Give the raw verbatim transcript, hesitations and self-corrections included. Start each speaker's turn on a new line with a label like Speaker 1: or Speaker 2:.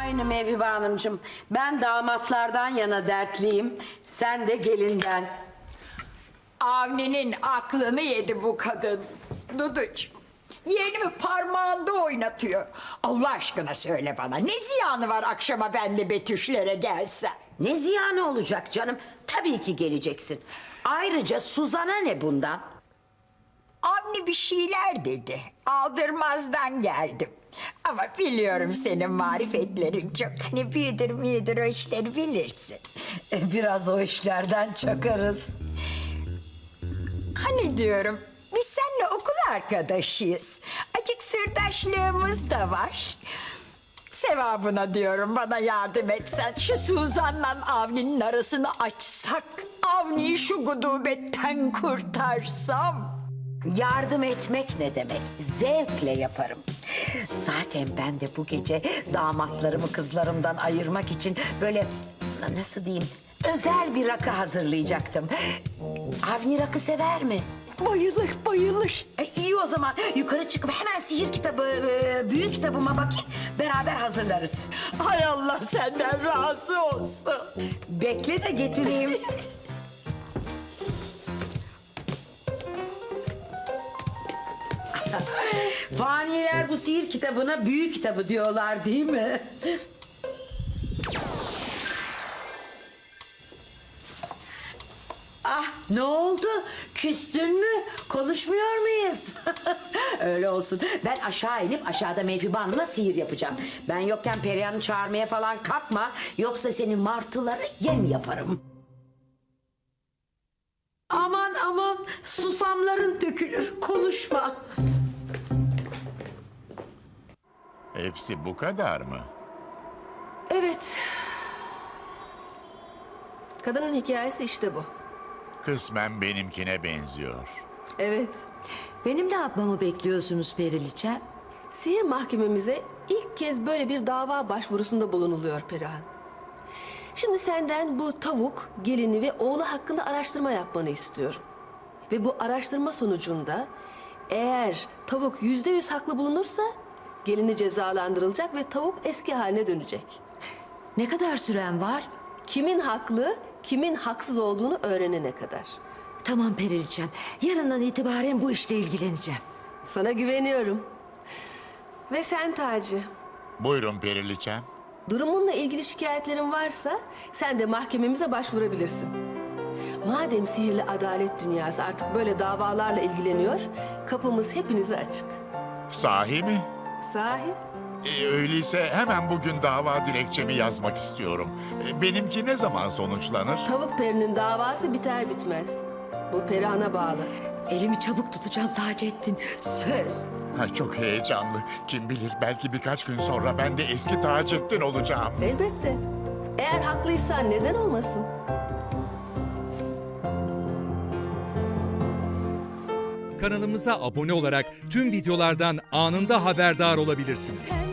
Speaker 1: Aynı Mevhibe Hanımcığım. Ben damatlardan yana dertliyim. Sen de gelinden.
Speaker 2: Avni'nin aklını yedi bu kadın. Duducuğum, yeğenimi parmağında oynatıyor. Allah aşkına söyle bana, ne ziyanı var akşama ben de Betüşlere gelsem?
Speaker 1: Ne ziyanı olacak canım? Tabii ki geleceksin. Ayrıca Suzan'a ne bundan?
Speaker 2: Avni bir şeyler dedi. Aldırmazdan geldim. Ama biliyorum senin marifetlerin çok. Hani büyüdür müyüdür o işleri bilirsin.
Speaker 1: E, biraz o işlerden çakarız.
Speaker 2: Hani diyorum, biz seninle okul arkadaşıyız. Acık sırdaşlığımız da var. Sevabına diyorum bana yardım etsen. Şu Suzan'la Avni'nin arasını açsak. Avni'yi şu gudubetten kurtarsam.
Speaker 1: Yardım etmek ne demek? Zevkle yaparım. Zaten ben de bu gece damatlarımı kızlarımdan ayırmak için böyle nasıl diyeyim özel bir rakı hazırlayacaktım. Avni rakı sever mi?
Speaker 2: Bayılır, bayılır.
Speaker 1: E, iyi o zaman yukarı çıkıp hemen sihir kitabı, e, büyük kitabıma bakayım. Beraber hazırlarız.
Speaker 2: Hay Allah senden razı olsun.
Speaker 1: Bekle de getireyim. Faniler bu sihir kitabına büyük kitabı diyorlar değil mi? Ah ne oldu? Küstün mü? Konuşmuyor muyuz? Öyle olsun. Ben aşağı inip aşağıda Mevhibe Hanım'la sihir yapacağım. Ben yokken Perihan'ı çağırmaya falan kalkma. Yoksa seni martılara yem yaparım. Aman aman susamların dökülür. Konuşma.
Speaker 3: Hepsi bu kadar mı?
Speaker 4: Evet. Kadının hikayesi işte bu.
Speaker 3: Kısmen benimkine benziyor.
Speaker 4: Evet.
Speaker 5: Benim ne yapmamı bekliyorsunuz Periliçem?
Speaker 4: Sihir mahkememize ilk kez böyle bir dava başvurusunda bulunuluyor Perihan. Şimdi senden bu tavuk, gelini ve oğlu hakkında araştırma yapmanı istiyorum. Ve bu araştırma sonucunda eğer tavuk yüzde yüz haklı bulunursa gelini cezalandırılacak ve tavuk eski haline dönecek.
Speaker 5: Ne kadar süren var?
Speaker 4: Kimin haklı, kimin haksız olduğunu öğrenene kadar.
Speaker 5: Tamam Periliçem. Yarından itibaren bu işle ilgileneceğim.
Speaker 4: Sana güveniyorum. Ve sen Taci,
Speaker 3: Buyurun Periliçem.
Speaker 4: durumunla ilgili şikayetlerin varsa sen de mahkememize başvurabilirsin. Madem sihirli adalet dünyası artık böyle davalarla ilgileniyor, kapımız hepinize açık.
Speaker 3: Sahi mi?
Speaker 4: Sahi?
Speaker 3: E, öyleyse hemen bugün dava dilekçemi yazmak istiyorum. E, benimki ne zaman sonuçlanır?
Speaker 4: Tavuk perinin davası biter bitmez. Bu Perihan'a bağlı.
Speaker 5: Elimi çabuk tutacağım Taceddin. Söz.
Speaker 3: Ha, çok heyecanlı. Kim bilir belki birkaç gün sonra ben de eski Taceddin olacağım.
Speaker 4: Elbette. Eğer haklıysan neden olmasın?
Speaker 6: Kanalımıza abone olarak tüm videolardan anında haberdar olabilirsiniz.